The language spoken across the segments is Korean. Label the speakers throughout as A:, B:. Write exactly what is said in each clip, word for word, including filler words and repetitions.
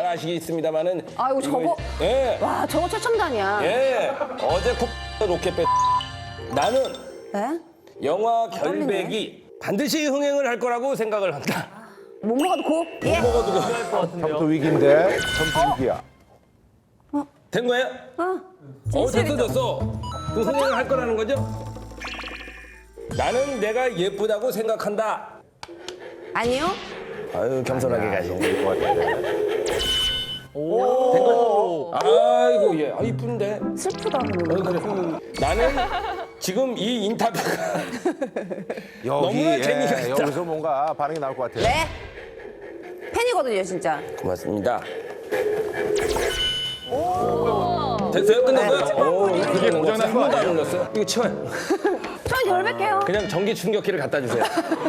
A: 잘 아시겠습니다만은.
B: 아이고, 저거.
A: 예.
B: 와, 저거 최첨단이야.
A: 예. 어제 코 로켓 뺐. 나는
B: 네?
A: 영화 결백이 반드시 흥행을 할 거라고 생각을 한다.
B: 못 먹어도 고. 예.
A: 먹어도
C: 점수 위기인데 점수 위기야.
A: 된 거예요?
B: 어.
A: 어, 됐어, 됐어. 그럼 흥행을 할 거라는 거죠? 나는 내가 예쁘다고 생각한다.
B: 아니요?
A: 아유, 겸손하게 가시네.
C: 될것 같아.
A: 된 거야? 아이고, 예. 아, 이쁜데.
B: 슬프다.
A: 어, 그래. 나는 지금 이 인터뷰가
C: 여기
A: 너무나
C: 예,
A: 재미가 있다.
C: 여기서 뭔가 반응이 나올 것 같아요.
B: 네. 팬이거든요, 진짜.
A: 고맙습니다. 됐어요? 끝났어요? 오, 그게 고장난 한 번도 안 올렸어요? 이거 치워요.
B: 전 결백해요.
A: 그냥 전기 충격기를 갖다 주세요.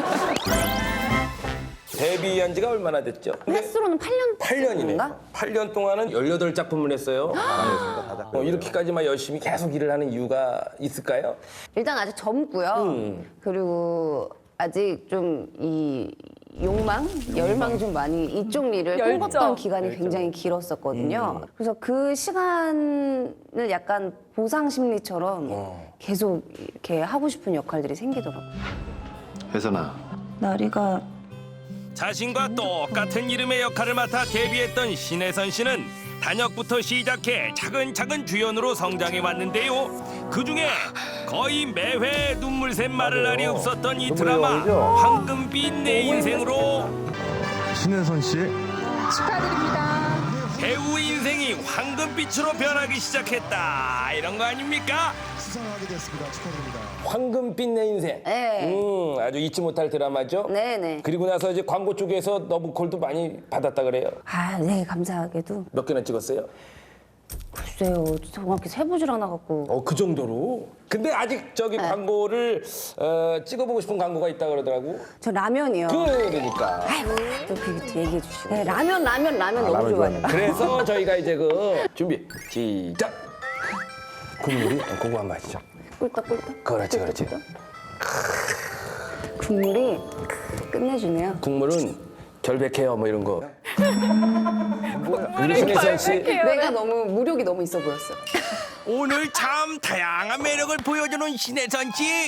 A: 데뷔한 지가 얼마나 됐죠? 근데
B: 횟수로는 팔 년.
A: 팔 년이네.
B: 인가?
A: 팔 년 동안은 열여덟 작품을 했어요. 어, 이렇게까지만 열심히 계속 일을 하는 이유가 있을까요?
B: 일단 아직 젊고요.
A: 음.
B: 그리고 아직 좀 이 욕망, 열망 좀 많이 이쪽 일을
D: 열정.
B: 꿈꿨던 기간이 굉장히 길었었거든요.
A: 음.
B: 그래서 그 시간을 약간 보상 심리처럼
A: 어.
B: 계속 이렇게 하고 싶은 역할들이 생기더라고요.
E: 혜선아,
B: 나리가
F: 자신과 똑같은 이름의 역할을 맡아 데뷔했던 신혜선 씨는 단역부터 시작해 차근차근 주연으로 성장해 왔는데요. 그중에 거의 매회 눈물 샘 말을 날이 없었던 이
C: 눈물이
F: 드라마
C: 나오죠?
F: 황금빛 내 인생으로
E: 신혜선 씨.
F: 배우 인생이 황금빛으로 변하기 시작했다. 이런 거 아닙니까?
A: 황금빛 내 인생.
B: 네.
A: 음, 아주 잊지 못할 드라마죠.
B: 네네.
A: 그리고 나서 이제 광고 쪽에서 너브콜도 많이 받았다 그래요.
B: 아, 네, 감사하게도.
A: 몇 개나 찍었어요?
B: 글쎄요, 정확히 세보질 않아갖고.
A: 어, 그 정도로. 근데 아직 저기 광고를 어, 찍어보고 싶은 광고가 있다 그러더라고.
B: 저 라면이요.
A: 그러니까.
B: 아이고, 또 그렇게 얘기해 주시고. 네, 라면, 라면, 라면 너무
C: 라면
B: 좋아해요.
A: 그래서 저희가 이제 그 준비 시작. 국물이 어, 그거 한번 하시죠.
B: 꿀떡꿀떡.
A: 그렇지, 그렇지.
B: 국물이 끝내주네요.
A: 국물은 결백해요, 뭐 이런 거. 우리 신혜선 씨.
B: 내가 너무 무력이 너무 있어 보였어.
F: 오늘 참 다양한 매력을 보여주는 신혜선 씨.